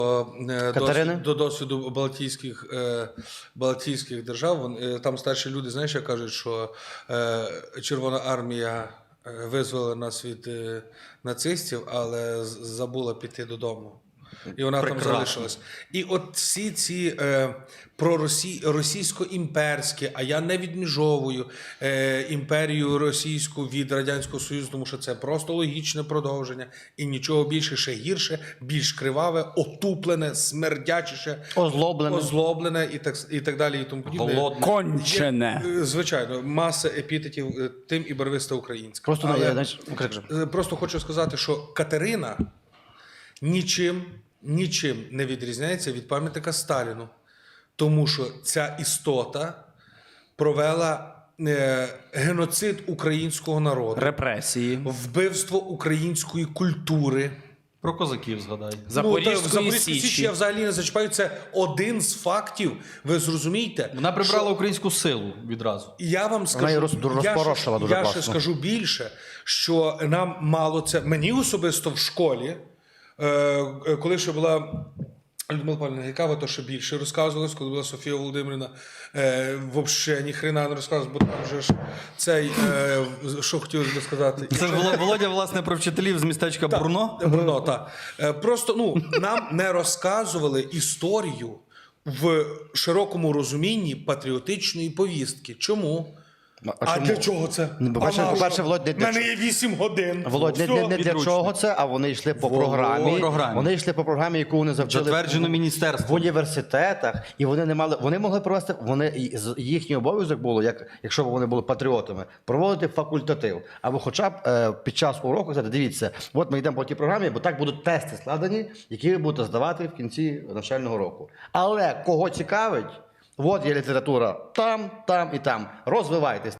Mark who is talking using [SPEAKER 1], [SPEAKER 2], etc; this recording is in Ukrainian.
[SPEAKER 1] До досвіду Балтійських держав. Там старші люди, знаєш, як кажуть, що Червона армія визволила нас від нацистів, але забула піти додому. І вона там залишилась. І от всі ці російсько-імперські, а я не відміжовую імперію російську від Радянського Союзу, тому що це просто логічне продовження. І нічого більше, ще гірше, більш криваве, отуплене, смердячіше, озлоблене і так далі. І тому подібне.
[SPEAKER 2] Голодне. Кончене.
[SPEAKER 1] Звичайно, маса епітетів тим і барвиста українська. Просто хочу сказати, що Катерина нічим не відрізняється від пам'ятника Сталіну. Тому що ця істота провела геноцид українського народу.
[SPEAKER 2] Репресії.
[SPEAKER 1] Вбивство української культури.
[SPEAKER 3] Про козаків згадай.
[SPEAKER 2] Запорізької Січі.
[SPEAKER 1] Я взагалі не зачіпаю. Це один з фактів. Ви зрозумієте?
[SPEAKER 3] Вона прибрала українську силу відразу.
[SPEAKER 1] Я вам скажу, я ще скажу більше, що нам мало це. Мені особисто в школі, коли ще була Людмила Павлівна Гайкава, то ще більше розказувалось, коли була Софія Володимирівна, взагалі ніхрена не розказувалось, бо там вже ж цей, що хотілося би сказати.
[SPEAKER 3] Це ж Володя, власне, про вчителів з містечка Бруно?
[SPEAKER 1] Бруно, так. Просто, нам не розказували історію в широкому розумінні патріотичної повістки. Чому? А для чого це?
[SPEAKER 4] По-перше, Володь,
[SPEAKER 1] в мене є 8 годин.
[SPEAKER 4] Володь, не для чого це, а вони йшли по програмі. Вони йшли по програмі, яку вони завчили
[SPEAKER 3] затверджено міністерством
[SPEAKER 4] в університетах, і вони могли провести, їхній обов'язок було, якщо б вони були патріотами, проводити факультатив. Або хоча б під час уроку сказати, дивіться, от ми йдемо по тій програмі, бо так будуть тести складені, які ви будете здавати в кінці навчального року. Але кого цікавить, от є література там і там. Розвивайтесь.